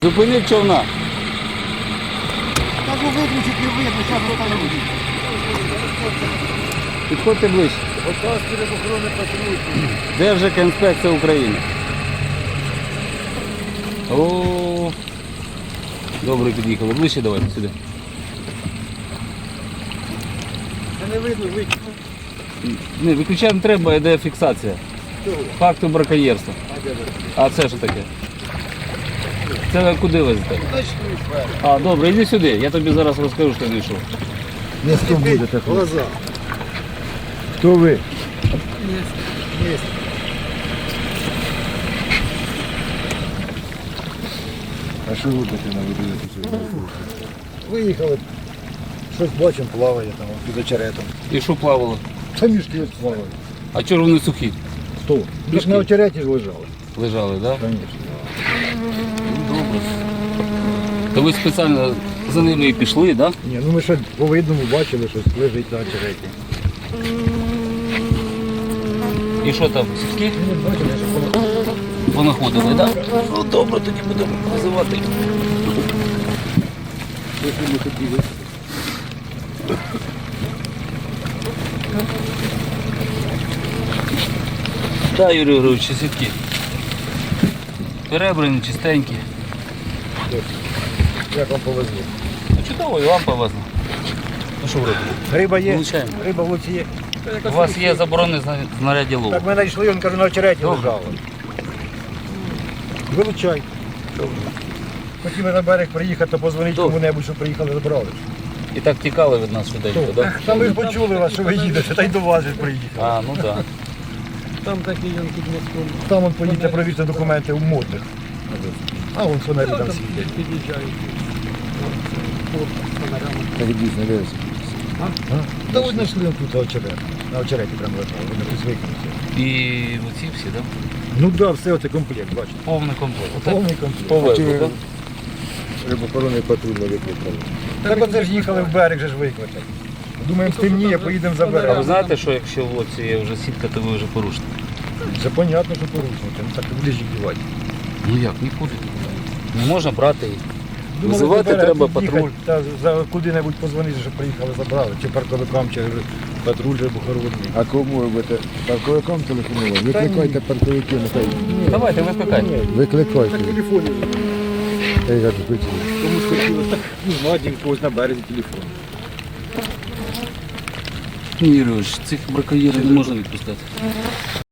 Зупиніть човна. Кажу, виключить, не видно, зараз остановлю. Підходьте ближче. Держекоінспекція України. О, добре під'їхали. Ближче давайте сюди. Це не видно, виключить. Не, виключати не треба, йде фіксація. Факту браконьєрства. А це що таке? Це ви куди везете? А, добре, йди сюди. Я тобі зараз розкажу, що знайшов. Не хто будете? Глаза. Хто ви? Есть. А що робите на виділити? Виїхали. Щось бачимо, плаває там, під очеретом. І що плавало? Та мішки плавають. А чого ж вони сухі? Хто? Ми ж на очереті ж лежали. Лежали, так? Да? Звісно. Добре. То ви спеціально за ними і пішли, так? Да? Ні, ну ми ще по видному бачили, щось лежить на очереті. І що там, сухі? Ну, бачили, що Понаходили, так? Да? Ну добре, тоді будемо визивати. якщо ми хотіли. Так, Юрій Григорович, сітки. Перебрані, чистенькі. Як вам повезло? Ну чудово, і вам повезло. Ну що ви робите? Риба є? Вилучаємо. Риба в луці є. У вас є заборонене знаряддя лову. Так ми знайшли, він каже, на очереті Добре. лежало. Вилучай. Хотіли на берег приїхати, позвонити Добре. кому-небудь, щоб приїхали, забрали. І так тікали від нас швиденько, так? Да? Та ми ж почули вас, що ви їдете, та й до вас же приїхали. А, ну так. Там такий він під мостом. Там он поїдете провірте документи у модних. А вон фонарі там світять. Під'їжджають. Фонарями. Так дійсно дивиться. Та от знайшли он тут очерет. На очереті прямо лежали, вони тут звикнуться. І оці всі, так? Да? Ну так, все це комплект, бачите. Повний комплект. Отак Повний комплект. повезло, так? Рибохоронний патруль не викликали. Так оце ж їхали в берег, же ж викликати. Думаємо, стемніє, поїдемо А заберемо. ви знаєте, що якщо в лодці є вже сітка, то ви вже порушник? Це понятно, що порушники, ну так куди ж їх дівати. Ну як, нікуди. Не можна брати їх. Думали, Визивати заберемо, треба тут їхати, патруль. Та за куди-небудь позвонити, щоб приїхали, забрали. Чи парковикам, чи патруль рибохоронний. А кому ви будете? Парковикам телефонувати? Викликайте парковиків, нехай. Давайте, викликайте. Викликайте. телефоні. Я кажу, хотів. Комусь хотілося, так, ну, знайдемо когось на березі телефон. Ні, Юрійович, цих браконьєрів не можна відпускати.